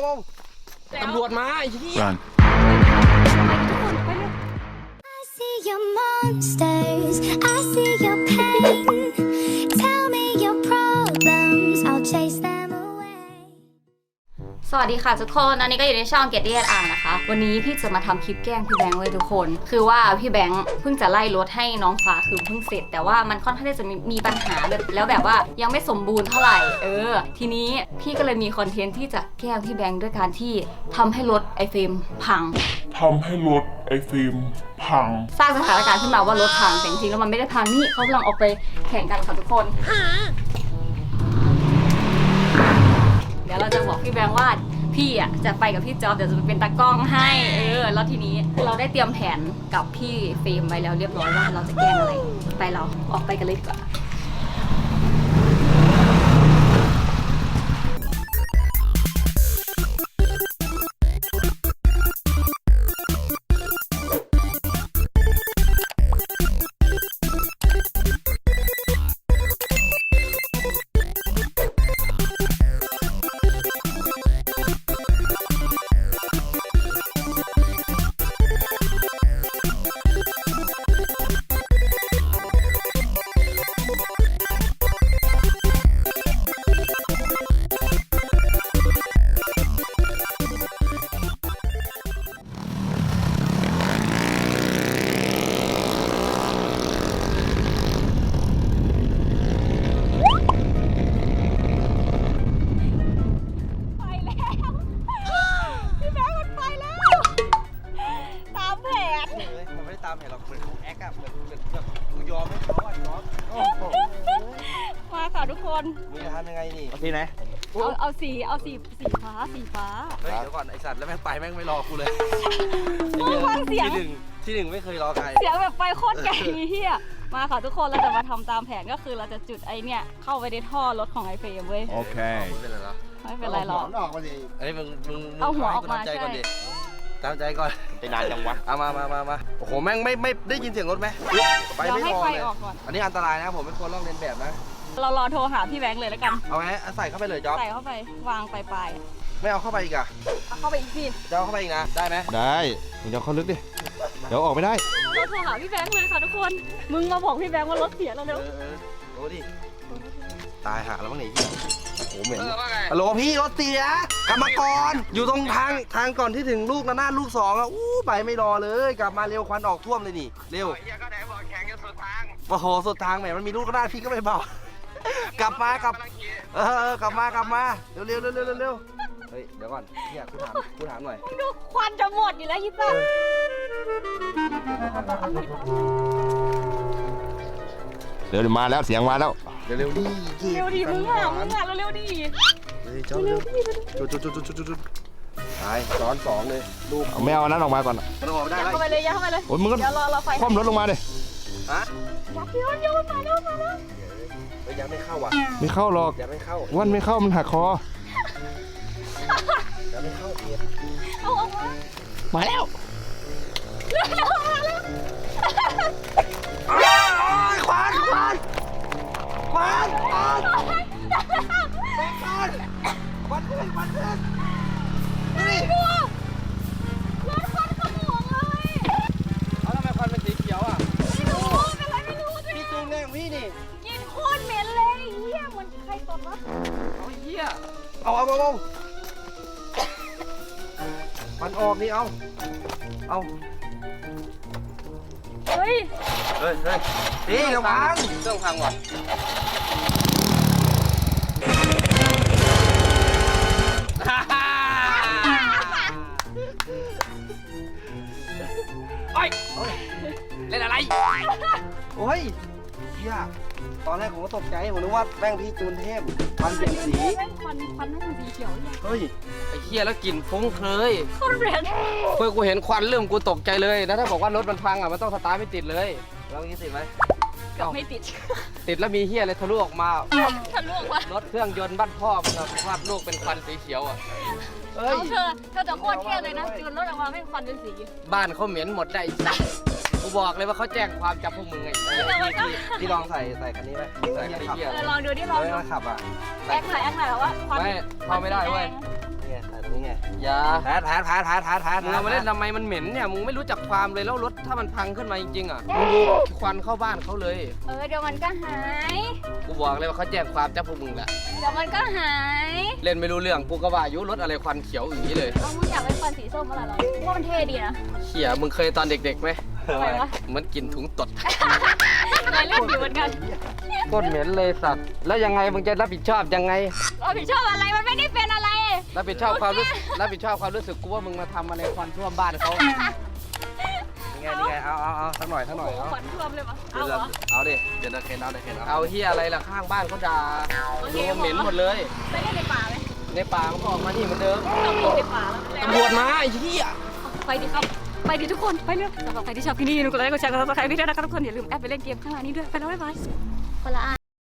ตำรวจมาไอ้ที่ Run. I see your monsters, I see your pain. Tell me your problems, I'll chase them away. สวัสดีค่ะทุกคนอันนี้ก็อยู่ในช่องเกตตี้อ่านนะคะวันนี้พี่จะมาทำคลิปแกล้งพี่แบงค์ไว้ทุกคนคือว่าพี่แบงค์เพิ่งจะไล่รถให้น้องฟ้าคือเพิ่งเสร็จแต่ว่ามันค่อนข้างที่จะมีปัญหาแบบว่ายังไม่สมบูรณ์เท่าไหร่ทีนี้พี่ก็เลยมีคอนเทนต์ที่จะแกล้งพี่แบงค์ด้วยการที่ทำให้รถไอเฟรมพังสร้างสถานการณ์ขึ้นมาว่ารถพังแต่จริงๆแล้วมันไม่ได้พังนี่เขากำลังออกไปแข่งกันค่ะทุกคนเดี๋ยวเราจะบอกพี่แบงค์ว่าพี่อ่ะจะไปกับพี่จอบเดี๋ยวจะเป็นตากล้องให้แล้วทีนี้คือเราได้เตรียมแผนกับพี่เฟรมไว้แล้วเรียบร้อยว่าเราจะแกล้งอะไรไปเราออกไปกันเลยดีกว่ามาค่ะทุกคนมึงจะทำยังไงนี่ทีไหนเอาสีฟ้าเฮ้ยเดี๋ยวก่อนไอสัตว์แล้วแม่งไปแม่งไม่รอกูเลยฟังเสียงที่หนึ่งไม่เคยรอใครเสียงแบบไปโคตรไกลเฮียมาค่ะทุกคนเราจะมาทำตามแผนก็คือเราจะจุดไอเนี่ยเข้าไปในท่อรถของไอเฟรมเว้ยโอเคไม่เป็นไรหรอไม่เป็นไรหรอกออกมาดิไอ้มึงเอาหัวออกมาใช่ตามใจก่อนไปนานจังวะเอามาโอ้โหแม่งไม่ได้ยินเสียงรถไหมไปไม่พอเลยอันนี้อันตรายนะผมไม่ควรลอกเลียนแบบนะเรารอโทรหาพี่แบงค์เลยแล้วกันเอาไหมใส่เข้าไปเลยจ๊อบใส่เข้าไปวางปลายไม่เอาเข้าไปอีกอะเอาเข้าไปอีกสิจะเอาเข้าไปอีกนะได้ไหมได้มึงจะเข้าลึกดิเดี๋ยวออกไม่ได้เราโทรหาพี่แบงค์เลยค่ะทุกคนมึงมาบอกพี่แบงค์ว่ารถเสียแล้วเร็วโอ้ดิตายหาแล้วมั้งเนี่ยโอ้เหม็นฮัลโหลพี่รถเสียกลับมาก่อนอยู่ตรงทางก่อนที่ถึงลูกนะลูก2อ่ะไปไม่รอเลยกลับมาเร็วควันออกท่วมเลยนี่เร็วเฮียก็ไหนบอกแข่งกันสุดทางโอ้โหสุดทางแหมมันมีลูกก็ได้พี่ก็ไม่เบากลับมากลับมาเร็วเฮ้ยเดี๋ยวก่อนเนี่ยกูถามหน่อยดูควันจะหมดอยู่แล้วยิบบ้าเดี๋ยวมาแล้วเสียงมาแล้วเร็วดิมึงอ่ะเร็วดิจุดตายซ้อน2เลยลูกไม่เอานั้นออกมาก่อนมันออกได้เข้าไปเลยเข้าไปเลยโอ้ยมึงก็คว่ำรถลงมาดิฮะโยนมาแล้วยังไม่เข้าอ่ะไม่เข้าหรอกยังไม่เข้าวันไม่เข้ามันหักคอยังไม่เข้าเดียเอาออกมาแล้วควันนี่รถควันขโมงเลยเอาทำไมควันเป็นสีเขียวอ่ะไม่รู้พี่จูงแรงพี่นี่กินโคตรเหม็นเลยเหี้ยมันใครตดวะเอาเหี้ยเอามันออกนี่เอาเฮ้ยนี่ระวังเครื่องพังว่ะเล่นอะไรโอ้ยเฮียตอนแรกผมก็ตกใจผมนึกว่าแป้งพี่จูนเทพควันเปลี่ยนสีควันให้เป็นสีเขียวเลยเฮ้ยไอ้เฮียแล้วกลิ่นฟุ้งเคยโคตรแรงเพื่อกูเห็นควันเริ่มกูตกใจเลยแล้วถ้าบอกว่ารถมันพังอ่ะมันต้องสตาร์ทไม่ติดเลยแล้วงี้ติดไหมไม่ติดแล้วมีเฮียอะไรทะลุออกมาทะลุออกมารถเครื่องยนต์บ้านพ่อมันภาพลูกเป็นควันสีเขียวอ่ะเอาเธอจะโคตรเที่ยเลยนะจูนรถออกมาไม่ควันเป็นสีบ้านเขาเหม็นหมดได้กูบอกเลยว่าเขาแจ้งความจับพวกมึงไงที่ลองใส่คันนี้ไหมใส่คันนี้ลองดูดิลองดูขับอ่ะแอคหน่อยว่าควันไม่เข้าไม่ได้เว้ยไงถ่ายตรงนี้ไงอย่าแผลมึงเอามาเล่นทำไมมันเหม็นเนี่ยมึงไม่รู้จักความเลยแล้วรถถ้ามันพังขึ้นมาจริงๆอ่ะมึงดูควันเข้าบ้านเขาเลยเดี๋ยวมันก็หายกูบอกเลยว่าเขาแจ้งความจับพวกมึงแหละเดี๋ยวมันก็หายเล่นไม่รู้เรื่องกูก็ว่าอายุรถอะไรควันเขียวอย่างนี้เลยมึงอยากเป็นฟันสีส้มมาเหรอว่ามันเท่ดีนะเขี่ยมึงเคยตอนเด็กๆไหมอะไรวะเหมันกินถุงตดนายเล่นอยู่เหมือนกันโคตรเหม็นเลยสัตว์แล้วยังไงมึงจะรับผิดชอบยังไงรับผิดชอบอะไรมันไม่ได้เป็นอะไรรับผิดชอบความรู้สึกกูว่ามึงมาทำมาในควันท่วมบ้านเขานี่ไงเอาสักหน่อยเอาขวัญท่วมเลยปะเอาเหรอเอาดิเดี๋ยวเคนเอาเอาเฮียอะไรล่ะข้างบ้านเขาด่าโอเคดูเหม็นหมดเลยไปเล่นในป่าไหมในป่ามันก็ออกมานี่เหมือนเดิมต้องมีในป่าแล้วตำรวจมาไอ้เฮียไปดิครับไปดิทุกคนไปเร็วสำหรับใครที่ชอบคลิปนี้อย่าลืมกดไลค์กดแชร์กดซับสไครต์พี่ด้วยนะครับทุกคนอย่าลืมแอดไปเล่นเกมข้างล่างนี้ด้วยไปแล้วบ๊ายบายคนละ